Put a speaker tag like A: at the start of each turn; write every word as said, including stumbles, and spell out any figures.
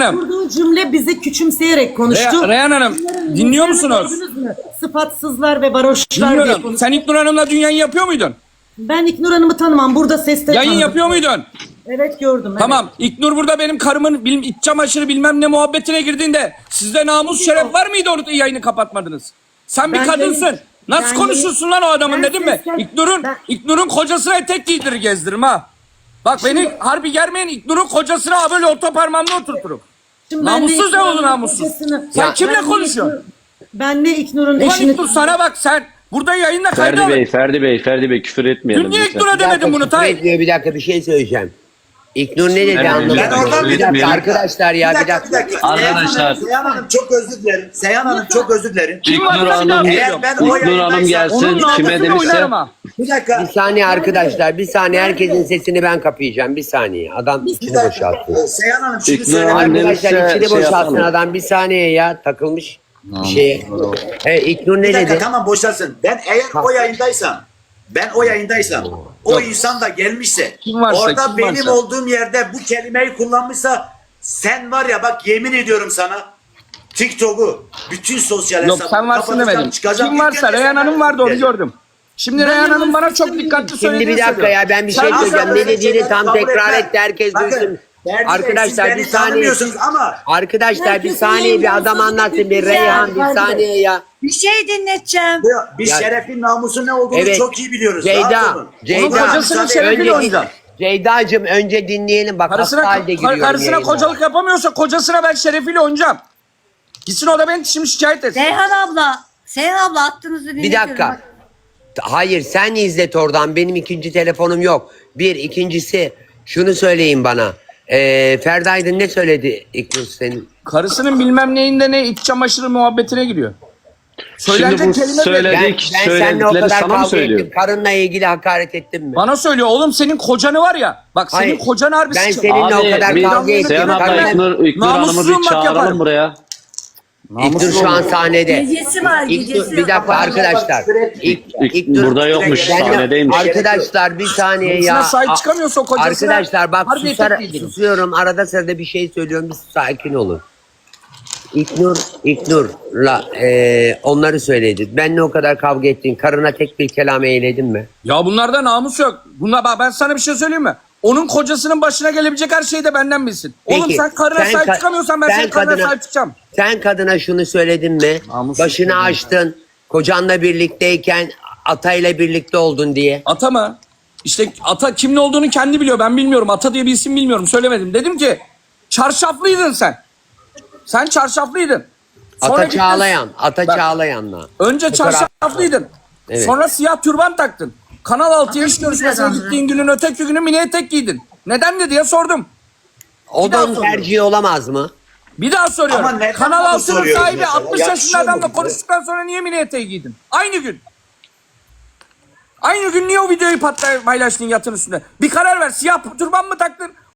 A: Hanım.
B: Kurduğu cümle bizi küçümseyerek konuştu.
A: Re Reyhan Hanım dinliyor musunuz?
B: Sıfatsızlar ve varoşlar diye
A: Dinliyorum.
B: konuştu.
A: Sen İknur Hanım'la dünyayı yapıyor muydun?
B: Ben İknur Hanım'ı tanımam. Burada seste
A: Yayın
B: tanıdım.
A: yapıyor muydun?
B: Evet gördüm.
A: Tamam. İknur burada benim karımın bilim, iç çamaşırı bilmem ne muhabbetine girdiğinde sizde namus şeref var mıydı orada yayını kapatmadınız? Sen bir
B: Ben
A: kadınsın.
B: yayın-
A: Nasıl
B: ben
A: konuşursun lan o adamın
B: ben
A: dedim mi?
B: seslen-
A: İknur'un
B: ben-
A: İknur'un kocasına etek giydirir gezdiririm ha. Bak beni harbi germeyin, İknur'un kocasına ha böyle orta parmağımla oturturum.
B: Şimdi ben de
A: Namussuz
B: İknur
A: ne oldu
B: Hanım'ın
A: namussuz?
B: kocasını-
A: Sen
B: Ya,
A: kimle
B: ben de
A: konuşuyorsun?
B: İknur- Ben de İknur'un
A: Ulan
B: eşini...
A: İknur sana bak sen burada yayında
C: Ferdi
A: kaydı
C: Bey,
A: alın.
C: Ferdi Bey, Ferdi Bey küfür etmeyelim.
A: Dün niye
C: lütfen.
A: İknur'a demedin bunu Tay?
D: Bekliyor, bir dakika bir şey söyleyeceğim. İknur ne dedi
C: Ben-
D: anlamadım.
C: Ben oradan
D: Bir
C: bir-
D: dakika
C: bir-
D: arkadaşlar ya
E: Bir
D: bir
E: dakika, bir
D: dakika.
E: dakika.
C: Arkadaşlar.
E: Seyhan Hanım çok özür dilerim. Seyhan Hanım çok özür dilerim.
A: Kim var
C: İknur
A: sen
C: Hanım,
A: de-
E: Eğer ben o
C: İknur
E: yayındaysam-
C: Hanım gelsin
A: Onun
C: kime
A: namusunu
C: demişse.
A: oynarım ha.
E: Bir dakika.
D: Bir saniye arkadaşlar bir saniye herkesin sesini ben kapayacağım bir saniye. Adam
E: Bir
D: içini
E: dakika.
D: boşalttı.
E: Ee, Seyhan Hanım şimdi
C: İknur
E: söylemek
C: Hanım
D: Arkadaşlar
C: demişse
D: içini
C: şey
D: boşaltsın
C: yapalım.
D: adam bir saniye ya takılmış bir şeye. E, İknur ne
E: Bir dakika
D: dedi?
E: tamam boşalsın. Ben eğer o yayındaysam, ben o yayındaysam, o insan da gelmişse,
A: Kim varsa,
E: orada
A: kim
E: benim
A: varsa.
E: olduğum yerde bu kelimeyi kullanmışsa, sen var ya bak yemin ediyorum sana, TikTok'u, bütün sosyal
A: Yok
E: hesabı
A: sen varsın
E: kapatacağım,
A: demedim.
E: çıkacağım.
A: Kim
E: İlk
A: varsa
E: kez
A: Reyhan
E: sen
A: Hanım vardı onu
E: diyeceğim.
A: gördüm. Şimdi Reyhan Hanım bana çok dikkatli
D: Şimdi
A: söylediğini
D: bir dakika ya ben bir şey
E: Sen
D: söyleyeceğim.
E: öyle
D: Ne dediğini
E: şeyleri
D: tam
E: kabul
D: tekrar
E: etme.
D: etti herkes
E: Bakın,
D: duysun.
E: Ferdi Bey, siz
D: Arkadaşlar bir
E: beni
D: saniye.
E: tanımıyorsunuz ama
D: Arkadaşlar bir
B: Herkesin
D: saniye bir adam
B: yayından
D: anlatsın
B: sonra
D: bir Reyhan bir
B: Ferdi Bey.
D: saniye ya.
F: Bir şey dinleteceğim.
E: biz
D: Ya-
E: şerefin namusun ne olduğunu
D: Evet.
E: çok iyi biliyoruz. Rahat
D: Ceyda,
E: olun.
D: Ceyda.
A: Onun kocasının
E: Müsaade-
A: şerefiyle
D: Önce-
A: oynayacağım.
D: Ceyda'cığım önce dinleyelim bak hasta
A: Karısına,
D: halde giriyorum
A: karısına
D: yayına.
A: kocalık yapamıyorsa kocasına ben şerefiyle oynayacağım. Gitsin o da beni şimdi şikayet etsin.
F: Seyhan abla. Seyhan abla attığınızı
D: Bir
F: dinletiyorum.
D: dakika.
F: Bak,
D: Hayır sen izlet oradan benim ikinci telefonum yok. Bir ikincisi şunu söyleyin bana. Ee, Ferdi Aydın ne söyledi İknur senin?
A: Karısının bilmem neyinde ne iç çamaşırı muhabbetine giriyor.
C: Şimdi
A: Söylenecek
C: bu
A: kelime
C: söyle-
A: belli.
D: Ben,
C: Dedik,
D: ben seninle o
C: söyledikleri
D: kadar
C: sana mı
D: kavga
C: söylüyor?
D: ettim. Karınla ilgili hakaret ettim mi?
A: Bana söylüyor oğlum senin kocanı var ya. Bak senin
D: Hayır,
A: kocan harbi
D: ben
A: sıçı-
D: seninle o kadar
C: bir-
D: kavga ettim.
C: Seyhan abla
D: Karınla-
C: İknur, İknur Hanım'ı
A: Namussuzum
C: bir
A: bak
C: çağıralım
A: yaparım.
C: buraya.
D: İknur şu an sahnede.
F: Gecesi var
D: İknur,
F: gecesi.
D: bir dakika arkadaşlar. İk,
C: İk- burada yokmuş,
D: Ben de-
C: sahnedeymiş.
D: Arkadaşlar bir saniye
A: Karısına
D: ya.
A: sahip çıkamıyorsa o kocasına
D: Arkadaşlar bak
A: harbi
D: susar,
A: etek giydiririm.
D: susuyorum arada sırada bir şey söylüyorum bir sakin olun. İknur, İknur'la eee onları söyledi. Benle o kadar kavga ettin. Karına tek bir kelam eyledin mi?
A: Ya bunlarda namus yok. Bunlar bak ben sana bir şey söyleyeyim mi? Onun kocasının başına gelebilecek her şeyi de benden bilsin. Oğlum
D: Peki,
A: sen karına
D: sen
A: sahip
D: ka-
A: çıkamıyorsan ben
D: sen
A: senin karına
D: kadına-
A: sahip çıkacağım.
D: Sen kadına şunu söyledin mi?
A: Namus
D: Başını
A: yok.
D: açtın. Kocanla birlikteyken atayla birlikte oldun diye.
A: Ata mı? İşte ata kimin olduğunu kendi biliyor. Ben bilmiyorum. Ata diye bir isim bilmiyorum. Söylemedim. Dedim ki çarşaflıydın sen. Sen çarşaflıydın. Sonra
D: Ata
A: gittin-
D: Çağlayan. Ata
A: Bak,
D: Çağlayan'la.
A: Önce
D: Fotoğraf-
A: çarşaflıydın.
D: Evet.
A: Sonra siyah türban taktın. Kanal altıya iş görüşmesine
F: adamdı.
A: gittiğin günün öteki günü mini etek giydin. Neden de diye sordum.
D: O
A: Bir daha
D: da onun
A: soruyorum.
D: tercihi olamaz mı?
A: Bir daha soruyorum.
E: Ama neden
A: Kanal
E: bunu
A: altının
E: soruyoruz
A: sahibi
E: mesela?
A: altmış
E: Ya
A: yaşında
E: şu
A: adamla
E: mu?
A: konuştuktan sonra niye mini eteği giydin? Aynı gün. Aynı gün niye o videoyu patla paylaştın yatın üstünde? Bir karar ver. Siyah turban mı taktın?